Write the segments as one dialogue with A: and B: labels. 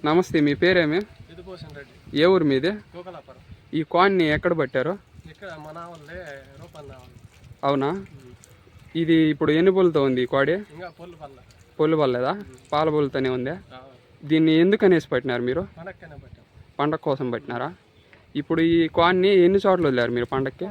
A: నమస్తే, మీ పేరేమి? ఏ ఊరు మీది? ఈ కాన్ని ఎక్కడ పట్టారు? అవునా? ఇది ఇప్పుడు ఎన్ని పుల్లతో ఉంది ఈ కోడి? పొల్లు పడలేదా? పాల పుల్లతోనే ఉందా? దీన్ని ఎందుకు అనేసి పట్టినారు మీరు? పండగ కోసం పట్టినారా? ఇప్పుడు ఈ కాన్ని ఎన్ని చోట్ల వదిలేరు మీరు పండగకి?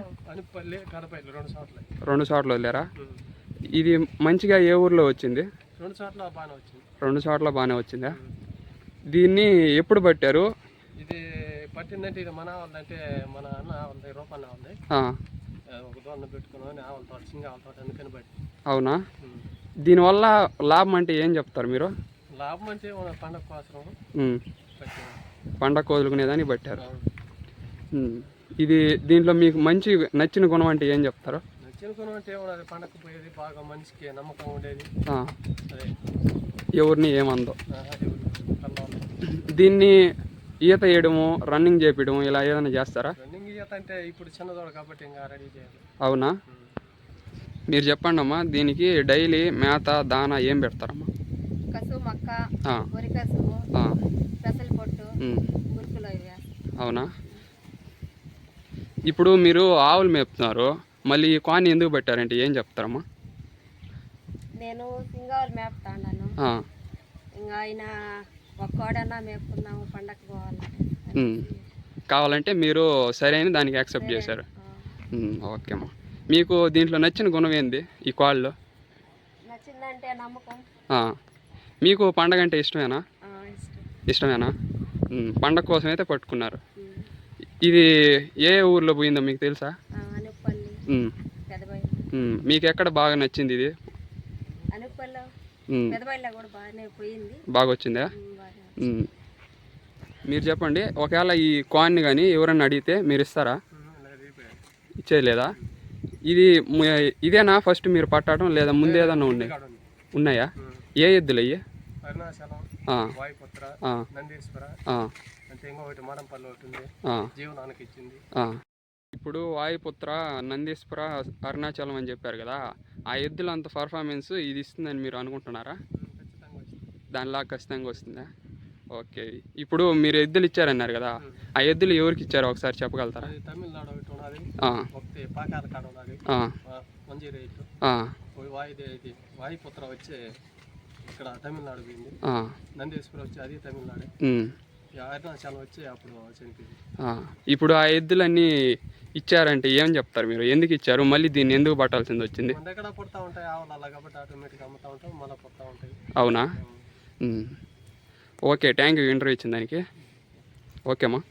A: 2 చోట్ల వదిలేరా? ఇది మంచిగా ఏ ఊర్లో వచ్చింది? 2 చోట్ల బాగానే వచ్చిందా? దీన్ని ఎప్పుడు పట్టారు?
B: ఇది పట్టిందంటే ఇది మన వాళ్ళంటే మన అన్న వాళ్ళది రూపన్న వాళ్ళది. ఒక దోణ పెట్టుకుని ఆవులతో సింగాలతో అందుకని బట్టి.
A: అవునా? దీనివల్ల లాభం అంటే ఏం చెప్తారు మీరు?
B: లాభం అంటే పండగ కోసం
A: పండగ వదులుకునేదాన్ని పట్టారు. ఇది దీంట్లో మీకు మంచి నచ్చిన గుణం అంటే ఏం చెప్తారు?
B: నచ్చిన గుణం అంటే పండగ పోయేది బాగా మనిషికి నమ్మకం ఉండేది,
A: ఎవరిని ఏమందో. దీన్ని ఈత వేయడము, రన్నింగ్ చేపించడం ఇలా ఏదైనా చేస్తారా?
B: రన్నింగ్ ఈత అంటే ఇప్పుడు చిన్నదోడ కాబట్టి ఇంకా రెడీ చేయాలి.
A: అవునా? మీరు చెప్పండి అమ్మా, దీనికి డైలీ మేత దానా ఏం పెడతారమ్మా? అవునా? ఇప్పుడు మీరు ఆవులు మేపుతున్నారు, మళ్ళీ ఈ కాన్ని ఎందుకు పెట్టారంటే ఏం చెప్తారమ్మా?
C: నేను సింగాలు మేపుతాను, ఇంకా ఆయన ఒక్కడన్నా మేపుకుందాము పండగ పోవాలంటే
A: కావాలంటే మీరు సరైన దానికి యాక్సెప్ట్ చేశారు. ఓకే అమ్మా. మీకు దీంట్లో నచ్చిన గుణం ఏంది ఈ కాల్లో?
C: నచ్చిందంటే నమ్మకం.
A: మీకు పండగ అంటే ఇష్టమేనా? ఇష్టమేనా? పండగ కోసం అయితే పట్టుకున్నారు. ఇది ఏ ఊర్లో పోయిందో మీకు తెలుసా? మీకు ఎక్కడ బాగా నచ్చింది ఇది? బాగా వచ్చిందా? మీరు చెప్పండి, ఒకవేళ ఈ కాయిన్ కానీ ఎవరన్నా అడిగితే మీరు ఇస్తారా? ఇచ్చేయలేదా? ఇది ఇదేనా ఫస్ట్ మీరు పట్టడం, లేదా ముందు ఏదన్నా ఉన్నాయా? ఏ ఎద్దులు అయ్యి? ఇప్పుడు వాయుపుత్ర, నందీశ్వర, అరుణాచలం అని చెప్పారు కదా, ఆ ఎద్దులు అంత పర్ఫార్మెన్స్ ఇది ఇస్తుందని మీరు అనుకుంటున్నారా? దానిలాగా ఖచ్చితంగా వస్తుందా? ఓకే. ఇప్పుడు మీరు ఎద్దులు ఇచ్చారన్నారు కదా, ఆ ఎద్దులు ఎవరికి ఇచ్చారో ఒకసారి చెప్పగలుగుతారా?
B: తమిళనాడు వాయుపుత్ర వచ్చి ఇక్కడ తమిళనాడు పోయింది, నందీశ్వర వచ్చి అది తమిళనాడు, అరుణాచలం వచ్చి అప్పుడు చనిపోయింది.
A: ఇప్పుడు ఆ ఎద్దులన్నీ ఇచ్చారంటే ఏం చెప్తారు మీరు? ఎందుకు ఇచ్చారు? మళ్ళీ దీన్ని ఎందుకు పట్టాల్సింది వచ్చింది?
B: మన దగ్గర పుడతా ఉంటాయి ఆవులు అలా కాబట్టి ఆటోమేటిక్గా అమ్ముతా ఉంటాం, మళ్ళీ పుడతా ఉంటాయి.
A: అవునా? ఓకే, థ్యాంక్ యూ ఇంటర్వ్యూ ఇచ్చిన దానికి. ఓకేమ్మా.